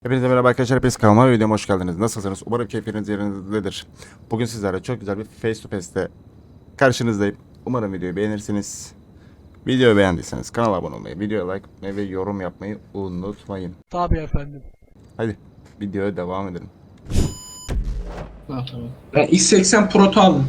Hepinize merhaba arkadaşlar, hepiniz kanalıma ve videoma hoş geldiniz. Nasılsınız? Umarım keyfiniz yerindedir. Bugün sizlerle çok güzel bir face to face'te karşınızdayım. Umarım videoyu beğenirsiniz. Videoyu beğendiyseniz kanala abone olmayı, videoya like atmayı ve yorum yapmayı unutmayın. Tabii efendim. Hadi videoya devam edelim. Ha, tamam. Ben X80 Pro'tu aldım.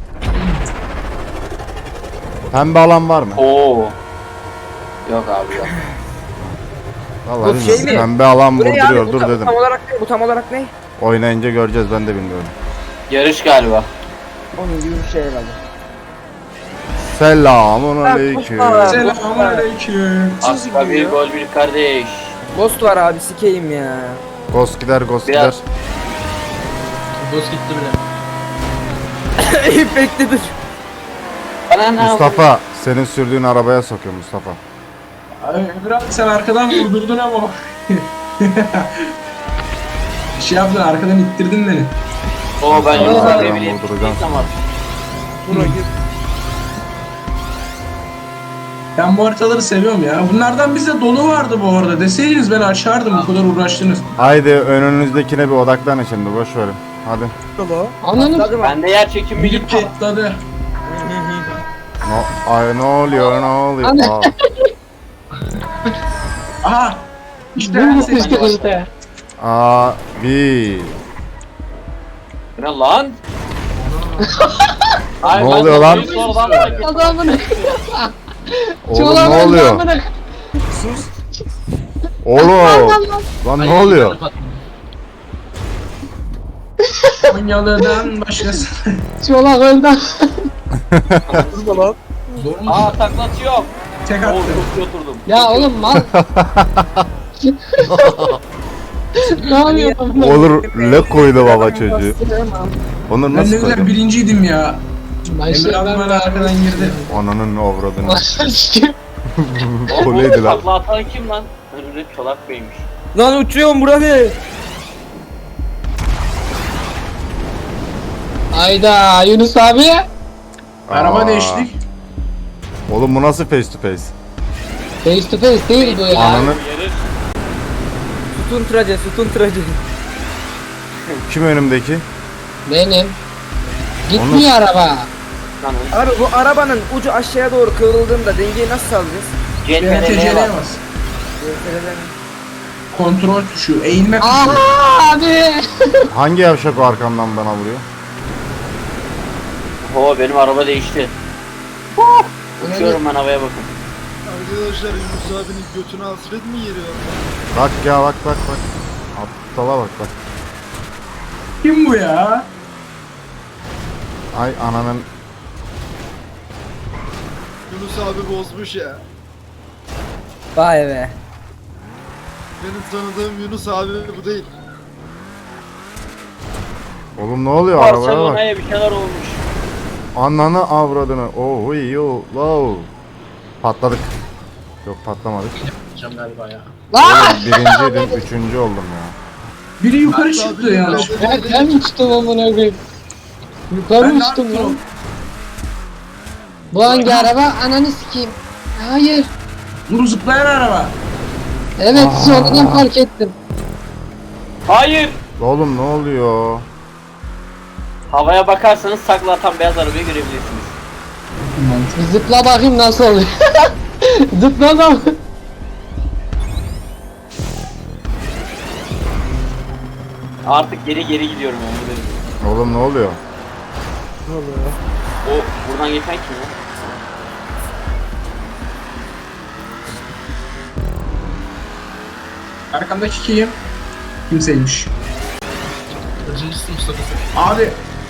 Pembe alan var mı? Oo. Yok abi yok. Vallahi Bu bilmiyorum. şey mi? Pembe alan Bu ne ya? vurduruyor, Bu dur tam, dedim. tam olarak ne? Bu tam olarak ne? Oynayınca göreceğiz, ben de bilmiyorum. Yarış galiba. Onun gibi bir şey herhalde. Selamun aleyküm. Kusma. Selamünaleyküm. Asla bir gol bir kardeş. Ghost var abi, sikeyim ya. Ghost gider, ghost gider. Biraz- Boz gitti bile. Bekledir. Bana ne Mustafa, senin sürdüğün arabaya sokuyor Mustafa. Ay, biraz sen arkadan vurdurdun ama. Şey yaptın, arkadan ittirdin beni. Oo ben Yunus Aa, abiye bile vurduracağım. tamam. Buna gir. Ben bu haritaları seviyorum ya. Bunlardan bizde dolu vardı bu arada. Deseydiniz ben açardım, bu kadar uğraştınız. Haydi önünüzdekine bir odaklanın şimdi, boş verin. Hadi. Anladım. Bende yer çekimi Biri gitti. patladı. Ay, ne oluyor, ne oluyor? Aa. Aha! İşte ben seçtim. Abi. Ne lan? Ay, Ne ben oluyor de lan? sonradan fark ettim. Oğlum ne oluyor? Oğlum. Lan ne oluyor? Konyalı'dan başkası. Çolak öldü. Aa taklatıyor. Tek Oo attı. çok oturdum. Ya oğlum mal. Ne yapıyorsun? Olur le koydu baba çocuğu. Onur Ben nasıl ne güzel koydu? birinciydim ya. Emre abi bana arkadan girdi. Ananın avradını. O Koleydi lan. takla atan kim lan? Önümde Çolak Bey'miş. Lan uçuyorum burada. Ayda Yunus abi. Araba Aa. değiştik. Oğlum bu nasıl face to face? Face to face değil bu ya. Ananı Yarış. Sütun tıracı, sütun tıracı. kim önümdeki? Benim. Gitmiyor araba. Lan Abi bu arabanın ucu aşağıya doğru kıvrıldığında dengeyi nasıl sağlayacağız? CTRL'ye bak. bas. Kontrol tuşu, eğilme tuşu. Aa abi. Hangi yavşak o arkamdan bana vuruyor? Oo benim araba değişti. Uçuyorum ben havaya bakın. Arkadaşlar Yunus abinin götüne hasret mi yeri var? Bak ya, bak bak bak. Aptala bak bak. Kim bu ya? Ay ananın. Yunus abi bozmuş ya. Vay be. Benim tanıdığım Yunus abi bu değil. Oğlum ne oluyor arabaya bak. Barcelona'ya bir şeyler olmuş. Ananı avradını. Oh yo low. Patladık. Yok patlamadık. Lan. Oğlum birinciydim, üçüncü oldum ya. Biri yukarı çıktı ya. Ben uçtum amına koyayım. Yukarı Ben ne uçtum yaptım? lan. Bu hangi araba? Ananı sikeyim. Hayır. Bunu zıplayan araba. Evet sonradan fark ettim. Hayır. Oğlum ne oluyor? Havaya bakarsanız takla atan beyaz arabayı görebilirsiniz. Bir zıpla bakayım nasıl oluyor. Zıpla da. Artık geri gidiyorum yani. Böyle. Oğlum ne oluyor? O buradan geçen kim ya? Arkamdaki kim? Kimseymiş. Abi.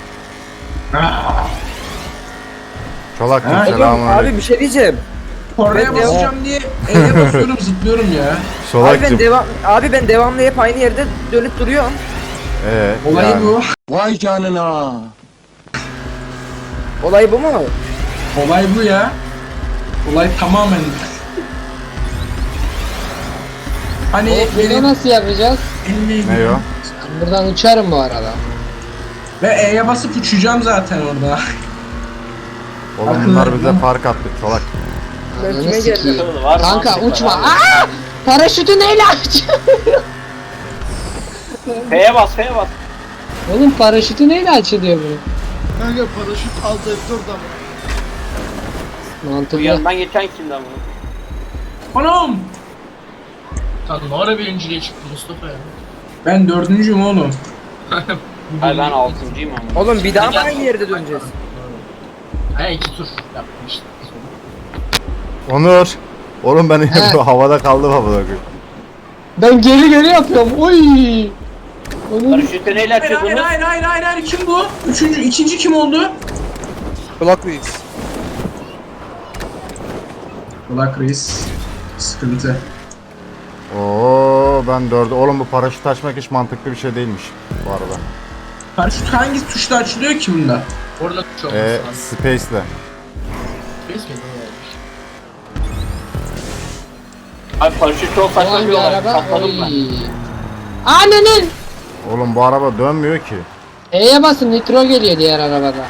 Çolak'cım Ha, selamun Abi aleyküm. bir şey diyeceğim. Kornaya Ben de- basacağım diye E'ye basıyorum, zıplıyorum ya. Abi ben devamlı hep aynı yerde dönüp duruyorum. Olay yani. bu. Olay bu mu? Olay bu ya. Olay tamamen. Hani Bunu benim nasıl yapacağız? Ne o? Buradan uçarım bu arada. ve E'ye basıp uçacağım zaten orada. Oğlum bunlar bize fark attı Çolak. Ben Ananı kime sikeyim. geldim? Var Kanka mantık var uçma. abi. Aa! Paraşütü neyle aç? F'ye bas F'ye bas. Oğlum paraşütü neyle açılıyor bunun? Kanka paraşüt alt F4'dan. Bu Mantıklı. yanından geçen kimden bu? Anam! Sen ne ara birinciliğe çıktın Mustafa ya? Ben dördüncüyüm oğlum. Hayır ben 6.'yım ama. Oğlum bir daha mı aynı yerde döneceğiz? Ha 2 tur yaptım işte. Onur. Oğlum ben He. havada kaldım havada. Ben geri yapıyorum. Oy. Onun Paraşütü neyle Hayır açıyordunuz? hayır kim bu? İkinci kim oldu? Kulak Reis. Black Reis. Sıkıntı. Oo ben dördü. Oğlum bu paraşüt açmak hiç mantıklı bir şey değilmiş bu arada. Paraşüt hangi tuşla açılıyor ki bunda? Orada tuş olması lazım. Space'le. Space miydi o olmuş? Abi paraşüt çok bu saçma bir hangi olay. araba? Katladım ben. Oy. Ananın. Oğlum bu araba dönmüyor ki. E'ye basın nitro geliyor diğer arabada.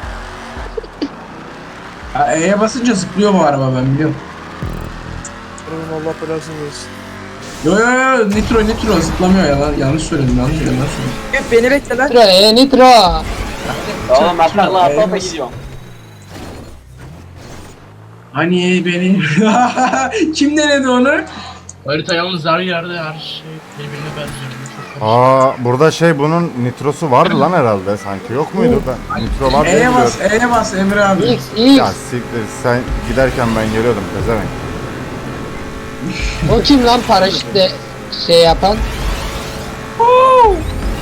Ha, E'ye basınca zıplıyor bu araba ben biliyorum. Oğlum Allah belasını versin. Yo nitro zıplamıyor ya yanlış söyledim. Hep beni bekle lan. Nitro nitro. Oğlum ben takla atla Eyvah. gidiyorum. Hani beni kim denedi onu? Harita yalnız her yerde her şey birbirine benziyor. Çok karışık. Aa burada şey bunun nitrosu vardı lan herhalde sanki. Yok muydu? Ben nitro var diye biliyorum. E'ye bas Emre abi. X Ya X. siktir sen giderken ben geliyordum pezevenk. O kim lan paraşütle şey yapan? Onun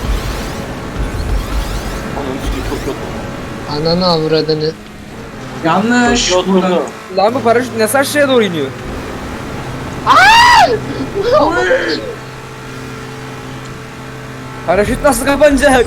üstü çok kötü. Ananı avradını. Yanlış. Çok kötü Buradan. oldu. Lan bu paraşüt nasıl aşağıya doğru iniyor? Paraşüt nasıl kapanacak?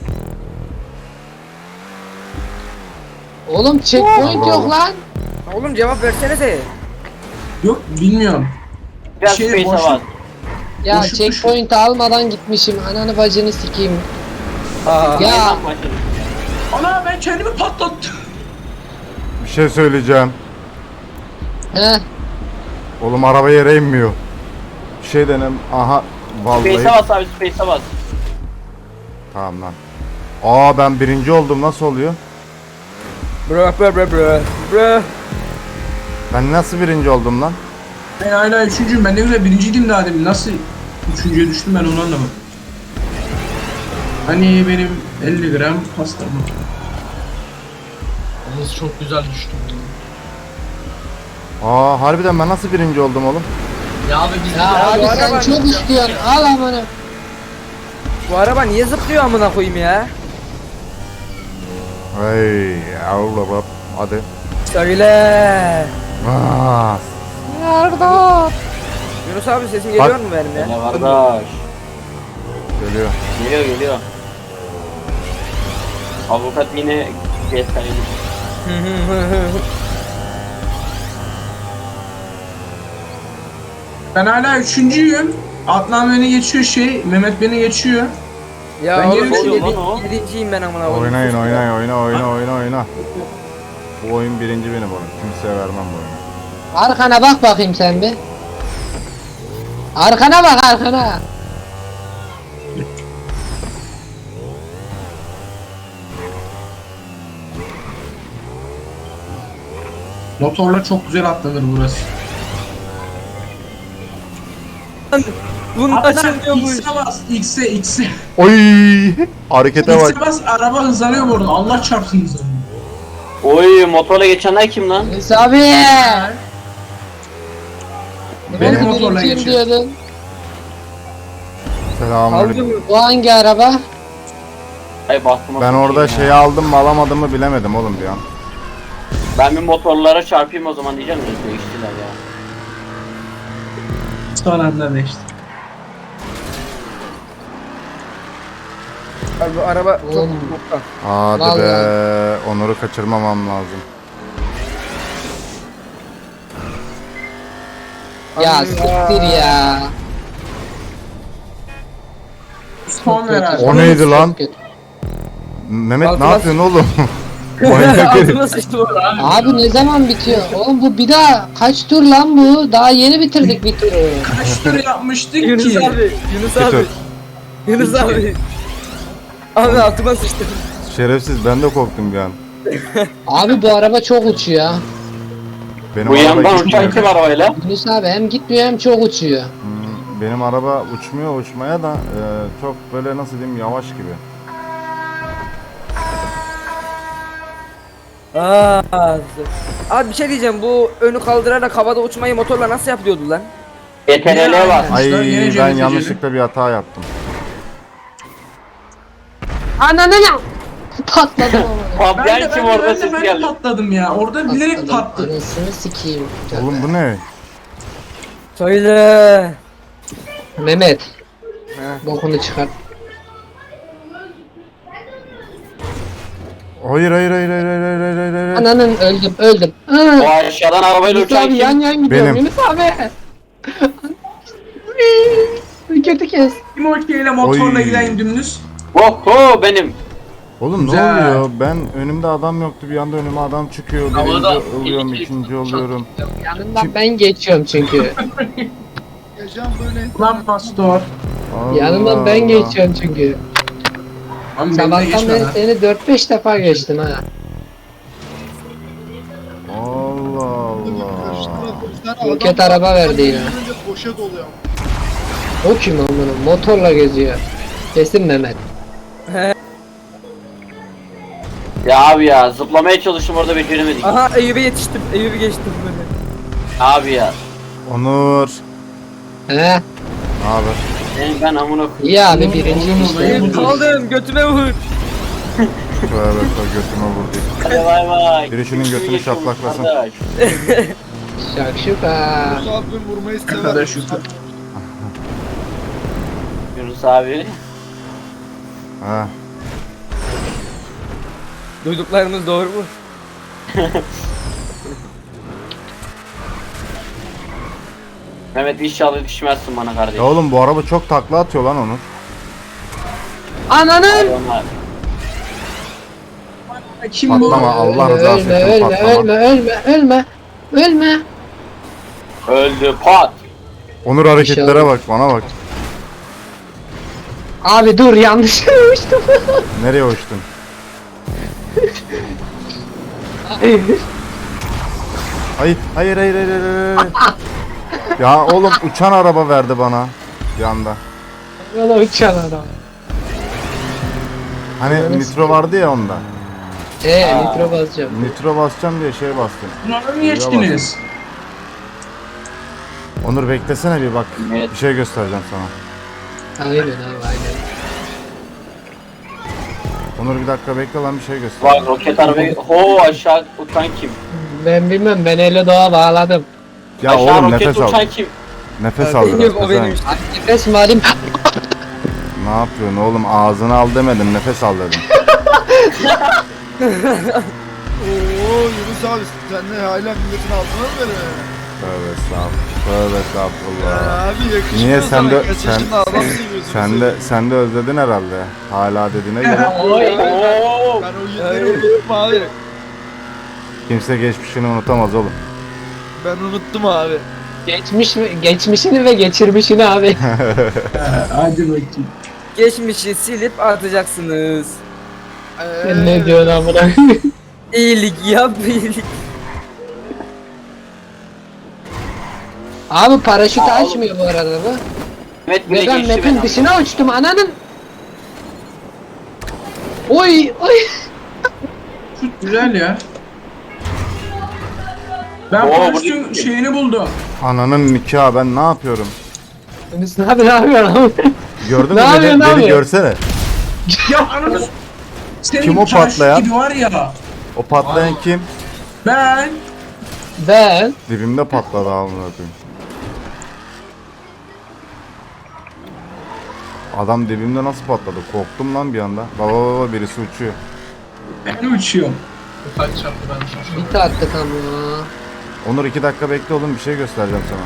Oğlum checkpoint Allah yok Allah. lan. Oğlum cevap versenize. Yok bilmiyorum. Biraz Şey, space'e boşluk. bas. Ya Boşluk checkpoint almadan gitmişim. Ananı bacını sikeyim. Aa. Ya Yeniden başladım. Ana ben kendimi patlattım. Bir şey söyleyeceğim. he. Oğlum araba yere inmiyor. Bir şey denem. Aha vallahi. Space'e bas abi space'e bas. Tamam lan. Aa ben birinci oldum nasıl oluyor? Bro bro bro bro. Bro. Ben nasıl birinci oldum lan? Ben hala üçüncüyüm. Ben ne güzel birinciydim daha demin. Nasıl üçüncüye düştüm ben onu anlamadım. Hani benim 50 gram pastam var. Yalnız çok güzel düştüm. Aa harbiden ben nasıl birinci oldum oğlum? Ya abi biz Ya abi bu sen araba- çok istiyorsun. Al amanı. Bu araba niye zıplıyor amına koyayım ya? Hey Allah hadi. Söyle. Aa, Nerede? Yunus abi sesim geliyor mu benim ya? Ne kardeş. geliyor. Geliyor. Avukat yine GS'ye Ben hala üçüncüyüm. Adnan beni geçiyor Mehmet beni geçiyor. Ya Ben oğlum geri oluyor lan o? yedinciyim ben amına koyayım. Oynayın oyna. Bu oyun birinci benim oğlum. Kimseye vermem bu oyunu. Arkana bak bakayım sen bir. Arkana bak arkana. Motorla çok güzel atlanır burası. Bunun Adnan açılmıyormuş. X'e bas. X'e. Oy! Harekete bak. X'e bas araba hızlanıyor bu arada. Allah çarpsın hızlanıyor. Oy motorla geçenler kim lan? Neyse abi. Benim Ben motorla birinciyim geçiyor. diyordun. Selamünaleyküm. Aldı mı? Bu hangi araba? Ay bastım. Ben orada şeyi aldım mı alamadım mı bilemedim oğlum bir an. Ben bir motorlara çarpayım o zaman diyeceğim de değiştiler ya. Son anda değişti. Abi bu araba çok Oğlum. boktan. Hadi Vallahi. be. Onur'u kaçırmamam lazım. Ya Abi siktir ya. Son ver abi. O neydi lan? Çok kötü. Mehmet ne Altıma- yapıyorsun oğlum? Manyak herif. Altıma sıçtı bu. Abi ne zaman bitiyor? Oğlum bu bir daha kaç tur lan bu? Daha yeni bitirdik bir turu. Kaç tur yapmıştık Yunus ki? abi. Yunus Bir abi. tur. Yunus abi. Abi altıma sıçtım. Şerefsiz, ben de korktum bir an. Abi bu araba çok uçuyor. Benim Bu araba yandan gitmiyor. uçan kim arabayla? Yunus abi hem gitmiyor hem çok uçuyor. Benim araba uçmuyor, uçmaya da çok böyle nasıl diyeyim, yavaş gibi. Abi bir şey diyeceğim, bu önü kaldırarak havada uçmayı motorla nasıl yapıyordu lan? GTRL var. Ay Yine ben cennete yanlışlıkla bir hata yaptım. Ananı ya! Patladım ama. Patlayan kim orada ses ben geldi. patladım ya. Orada bilerek patladı. Anasını sikeyim. Oğlum bu ne? Söyle. Mehmet. He. Bokunu çıkart. Hayır hayır hayır hayır hayır hayır hayır hayır. Ananın öldüm. O aşağıdan arabayla Yunus uçan abi kim? yan gidiyorum Benim. Yunus abi. Kötü kes. Timoki ile motorla Oy. giden dümdüz. Oho benim. Oğlum ne Güzel. oluyor? Ben önümde adam yoktu, bir anda önüme adam çıkıyor. Havada Birinci oluyorum, ikinci oluyorum. Yanından ben geçiyorum çünkü. Yaşam böyle. Lan pastor. Allah Yanından ben Allah. geçiyorum çünkü. Ama beni de Sabahtan geçme beri lan. seni 4-5 defa geçtim ha. Allah Allah. Roket araba verdi yine. Boşa doluyor. O kim amına? Motorla geziyor. Kesin Mehmet. Ya abi ya zıplamaya çalıştım orada beceremedik. Aha Eyüp'e yetiştim. Eyüp'ü geçtim böyle. Abi ya. Onur. He? Ne haber? Ben amına koyayım. İyi abi birinci işte. Eyüp kaldım, götüme vur. Tövbe götüme vurdu. Hadi bay bay. Biri şunun götünü Geçiyorum şaplaklasın. kardeş. Şakşuka. Yunus abim vurmayı sever. Kadar şükür. Yunus abi. Ha. Duyduklarımız doğru mu? Mehmet inşallah düşmezsin bana kardeş. Ya oğlum bu araba çok takla atıyor lan Onur. Ananın! Hayvanlar. Kim bu? Patlama, Allah rızası için ölme, patlama. ölme. Öldü pat. Onur hareketlere İnşallah. bak, bana bak. Abi dur yanlış uçtum. Nereye uçtun? Hayır, hayır, hayır, hayır, hayır, hayır. Ya oğlum uçan araba verdi bana bir anda. Yola uçan adam. Hani nitro vardı ya onda. Nitro basacağım. Nitro basacağım diye şey bastım. Bunlara mı geçtiniz? Onur beklesene bir bak. Evet. Bir şey göstereceğim sana. Aynen abi aynen. Onur bir dakika bekle lan, bir şey Bak göstereceğim. roket arabayı. Ho aşağı uçan kim? Ben bilmem ben eli doğa bağladım. Ya aşağı oğlum roket nefes al. uçan kim? Nefes al biraz. Eyüp o pezevenk. benim işte. Nefes mi alayım? Ne yapıyorsun oğlum, ağzını al demedim, nefes al dedim. Oo Yunus abi sen de hala milletin altına mı veriyorsun? Tövbe estağfurullah. Tövbe estağfurullah. Abi yakışmıyor Niye sen sana. de Kaç yaşında adam seviyorsun sen de özledin herhalde. Hala dediğine göre Oy oo. Ben o günleri unuttum abi. kimse geçmişini unutamaz oğlum. Ben unuttum abi. Geçmişini ve geçirmişini abi. Hadi bakayım. Geçmişi silip atacaksınız. Sen ne diyorsun amına? İyilik yap, iyilik. Abi paraşütü açmıyor bu arada bu. Mehmet bile Ve ben geçti map'in beni. dışına uçtum ananın. Oy. Güzel ya. Ben Oo, paraşütün bu- şeyini buldum. Ananın nikahı, ben ne yapıyorum? Yunus ne yapıyorsun abi? Gördün mü Ne yapıyorsun beni abi? görsene. Ya ananı... Senin Kim o paraşüt patlayan? gibi var ya. O patlayan kim? Ben... Ben Dibimde patladı amına koyayım. Adam dibimde nasıl patladı? Korktum lan bir anda. Baba birisi uçuyor. Ben uçuyorum. Kaç çarptı ben sana. bir attık ama. Onur 2 dakika bekle oğlum, bir şey göstereceğim sana.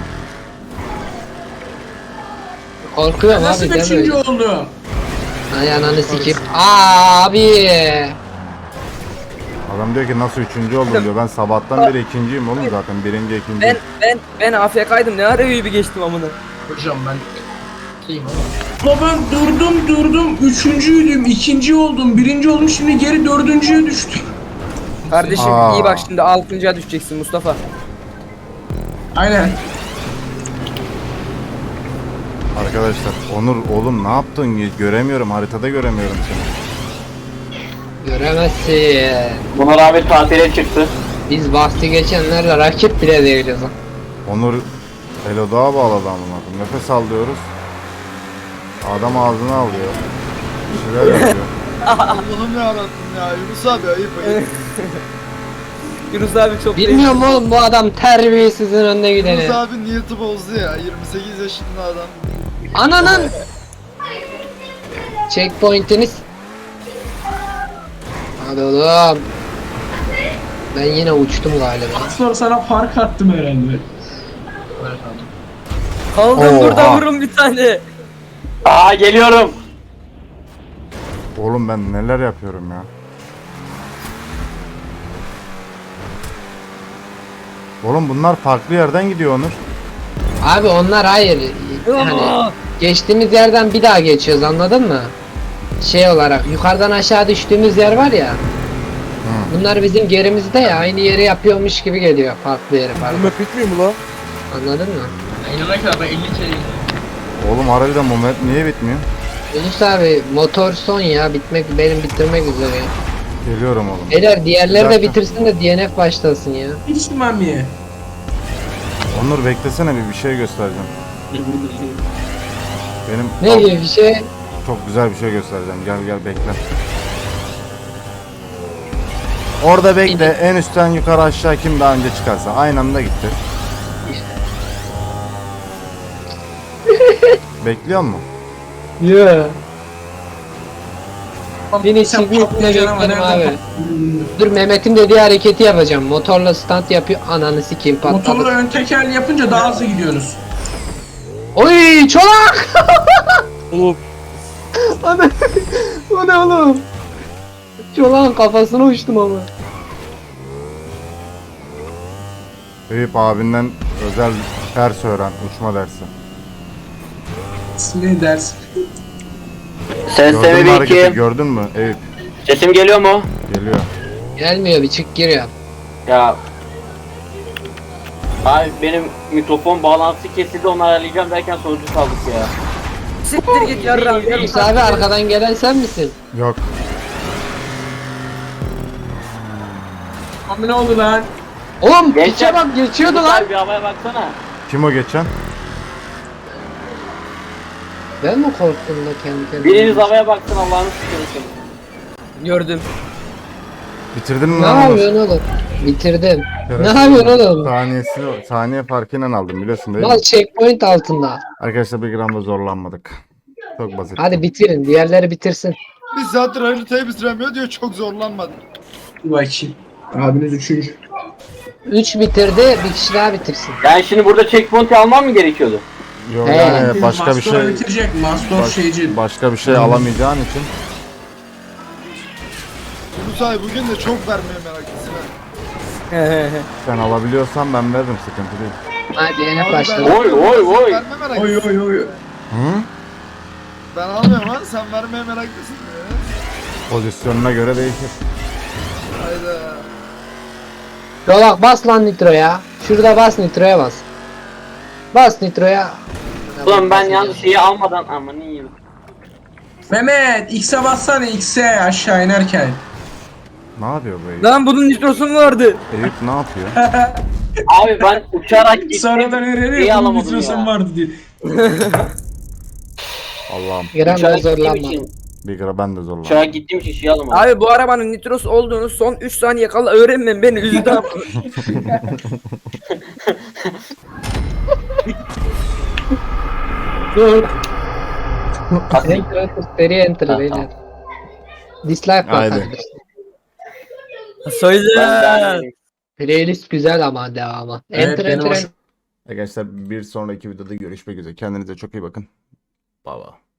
Korkuyorum Nasıl abi deme kaçıncı öyle. oldum? Ay ananı sikip. Abi. Adam diyor ki nasıl 3. oldum diyor. Ben sabahtan beri ikinciyim oğlum zaten. Birinci, ikinci. Ben AFK'ydım, ne ara Eyüp'ü geçtim amına. Hocam ben şeyim ama. La ben durdum. Üçüncüydüm, ikinci oldum, birinci oldum. Şimdi geri dördüncüye düştüm. Kardeşim Aa. iyi bak şimdi 6.'ya düşeceksin Mustafa. Aynen. Arkadaşlar Onur oğlum ne yaptın? Göremiyorum, haritada göremiyorum seni. Göremezsin. Buna rağmen tatile çıktı. Biz bahsi geçenlerle rakip bile değiliz. Onur Elodoğa bağladı amına. Nefes al diyoruz. Adam ağzına alıyor. Bir şeyler yapıyor. Allah'ım yarabbim ya. Yunus abi ayıp. Yunus abi çok Bilmiyorum oğlum, bu adam terbiyesizin önüne gideni. Yunus abi niyeti bozdu ya. 28 yaşında adam. Ananın checkpoint'iniz. Hadi oğlum. Ben yine uçtum galiba. Sonra sana fark attım herhalde. Kaldım burada, Oha. vurun bir tane. Aa geliyorum. Oğlum ben neler yapıyorum ya. Oğlum bunlar farklı yerden gidiyor Onur. Abi onlar hayır. Hani geçtiğimiz yerden bir daha geçiyoruz, anladın mı? Şey olarak yukarıdan aşağı düştüğümüz yer var ya. Bunlar bizim gerimizde ya, aynı yeri yapıyormuş gibi geliyor, farklı yeri farklı. map bitmiyor mu lan? Anladın mı? İnanana kadar ben 50 kere Oğlum harbiden bu map niye bitmiyor? Yunus abi motor son ya, benim bitirmek üzere. Geliyorum oğlum. Beyler diğerleri de Zaten- bitirsin de DNF başlasın ya. Hiç mamiye. Onur beklesene bir şey göstereceğim. Benim Ne gibi bir şey? çok güzel bir şey göstereceğim. Gel bekle. Orada bekle. En üstten yukarı aşağı kim daha önce çıkarsa. Aynı anda gitti. Bekliyor mu? Yeah. Beni Sen çiftlikle patlayacaksın ama bekledim nereden abi. Dur, Mehmet'in dediği hareketi yapacağım. Motorla stunt yapıyor, ananı sikeyim Motorla patladı. ön teker yapınca daha hızlı gidiyoruz. Oy çolak! Oğlum. Ana, o ne oğlum? Çolağın kafasına uçtum ama. Eyüp abinden özel ders öğren. Uçma dersi. Ne dersin? Gördün mü Sesimi hareketi? bir Gördün mü Eyüp? Sesim geliyor mu? Geliyor. Gelmiyor, bir çık gir ya. Ya. Abi benim mikrofon bağlantısı kesildi, onu ayarlayacağım derken sonucu kaldık ya. Siktir git yarram. Yunus abi arkadan gelen sen misin? Yok. Abi ne oldu lan? Oğlum Gençler, piçe bak, geçiyordu Yunus lan. abi bir havaya baksana. Kim o geçen? Ben mi korktum da kendi kendime? Biriniz havaya baksın, Allah'ını sıkıntı. Gördüm. Bitirdin mi Ne lan Onur? yapıyorsun oğlum? Bitirdim. Ne Şerefsiz. yapıyorsun oğlum? Saniye farkıyla aldım biliyorsun değil mi? Mal checkpoint altında. Arkadaşlar bir gram da zorlanmadık. Çok basit. Hadi bitirin, diğerleri bitirsin. Bir saattir haritayı bitiremiyor diyor, çok zorlanmadı. Bir bakayım. Abiniz üçüncü. 3 bitirdi, bir kişi daha bitirsin. Yani şimdi burada checkpoint almam mı gerekiyordu? Yok He. yani başka bir Master'ı şey bitirecek. Master şeyci. başka bir şey alamayacağın için Yunus abi bugün de çok vermeye meraklısın ha. sen alabiliyorsan ben veririm, sıkıntı değil. Hadi yine Abi başla. ben- Oy, oy, oy. Verme meraklısın. Oy oy oy. Hı? Ben almıyorum ha, sen vermeye meraklısın ya. Pozisyonuna göre değişir. Hayda. Yolak bas lan nitroya. Şurada bas, nitroya bas. Bas nitroya. Ulan ben yalnız şeyi almadan aman iyiyim. Mehmet X'e bassana, X'e aşağı inerken. Ne yapıyor bu Eyüp? Lan bunun nitrosu mu vardı? Eyüp ne yapıyor? Abi ben uçarak gittim. Sonradan şeyi öğreniyor. Bunun alamadım nitrosun ya. vardı diye. Allah'ım Gram da Uçarak gittiğim zorlanma. için, bir gram ben de zorlandım. uçarak gittiğim için şey alamadım. Abi bu arabanın nitrosu olduğunu son 3 saniye kala öğrenmem beni üzdü ama. Dur. Kasik. Enter, seri enter Ha, beyler. Dislike Haydi. bakabilirsin. Söyle. Ben Playlist güzel ama devamı. Evet, Enter benim enter. hoşuma Arkadaşlar bir sonraki videoda görüşmek üzere. Kendinize çok iyi bakın. Bye bye.